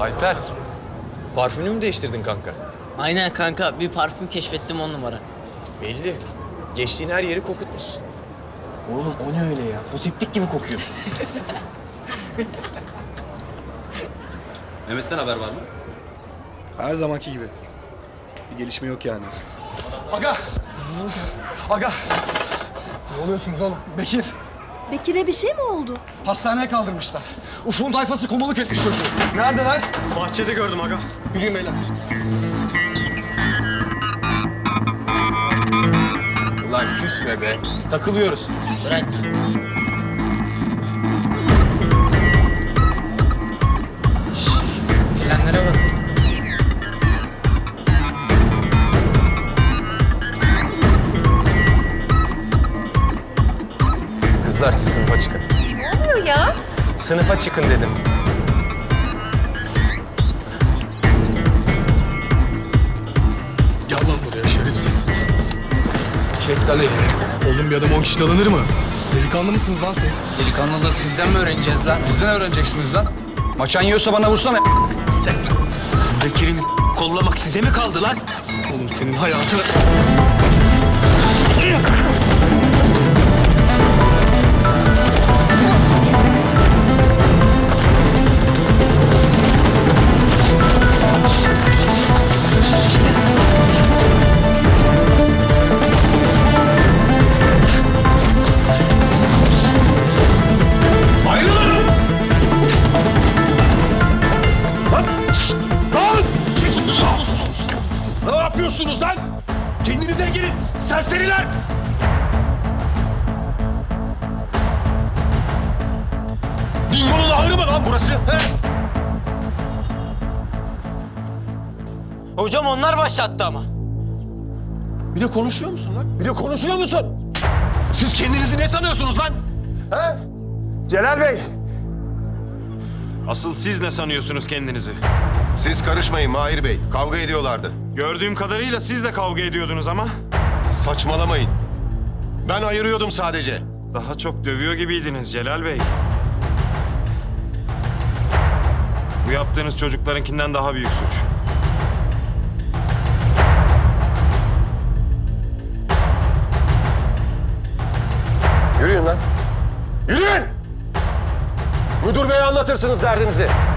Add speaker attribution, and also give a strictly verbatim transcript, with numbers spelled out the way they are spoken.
Speaker 1: Alper, parfümünü mü değiştirdin kanka?
Speaker 2: Aynen kanka, bir parfüm keşfettim on numara.
Speaker 1: Belli. Geçtiğin her yeri kokutmuşsun.
Speaker 3: Oğlum o ne öyle ya? Foseptik gibi kokuyorsun.
Speaker 4: Mehmet'ten haber var mı?
Speaker 5: Her zamanki gibi. Bir gelişme yok yani.
Speaker 6: Aga! Aga! Ne oluyorsunuz oğlum? Bekir,
Speaker 7: Bekir'e bir şey mi oldu?
Speaker 6: hastaneye kaldırmışlar. Ufuk'un tayfası komuluk etmiş çocuğu. Neredeler?
Speaker 4: Bahçede gördüm aga.
Speaker 6: Yürüyün beyler.
Speaker 1: Ulan küsme be. Takılıyoruz.
Speaker 2: Bırak. Gelenlere bak.
Speaker 1: Kızlar siz sınıfa çıkın.
Speaker 7: Ne oluyor ya?
Speaker 1: Sınıfa çıkın dedim.
Speaker 5: Gel lan buraya şerefsiz.
Speaker 1: Çek lan elini.
Speaker 5: Oğlum bir adam on kişi dalanır mı? Delikanlı mısınız lan siz?
Speaker 3: Delikanlılığı sizden mi öğreneceğiz lan?
Speaker 6: Bizden öğreneceksiniz lan. Maçan yiyorsa bana vursana.
Speaker 3: Bekir'in kollamak size mi kaldı lan?
Speaker 5: Oğlum senin hayatını...
Speaker 4: Ayrılın! Lan! Şşt! Lan! Siz ne yapıyorsunuz lan? Kendinize gelin serseriler! Dingo'nun ahırı mı lan burası? He?
Speaker 2: Hocam onlar başlattı ama.
Speaker 4: Bir de konuşuyor musun lan? Bir de konuşuyor musun? Siz kendinizi ne sanıyorsunuz lan? He? Celal Bey!
Speaker 8: Asıl siz ne sanıyorsunuz kendinizi?
Speaker 4: Siz karışmayın Mahir Bey. Kavga ediyorlardı.
Speaker 8: Gördüğüm kadarıyla siz de kavga ediyordunuz ama
Speaker 4: Saçmalamayın. Ben ayırıyordum sadece.
Speaker 8: daha çok dövüyor gibiydiniz Celal Bey. Bu yaptığınız çocuklarınkinden daha büyük suç.
Speaker 4: Yürüyün lan. Yürüyün! Müdür beye anlatırsınız derdinizi.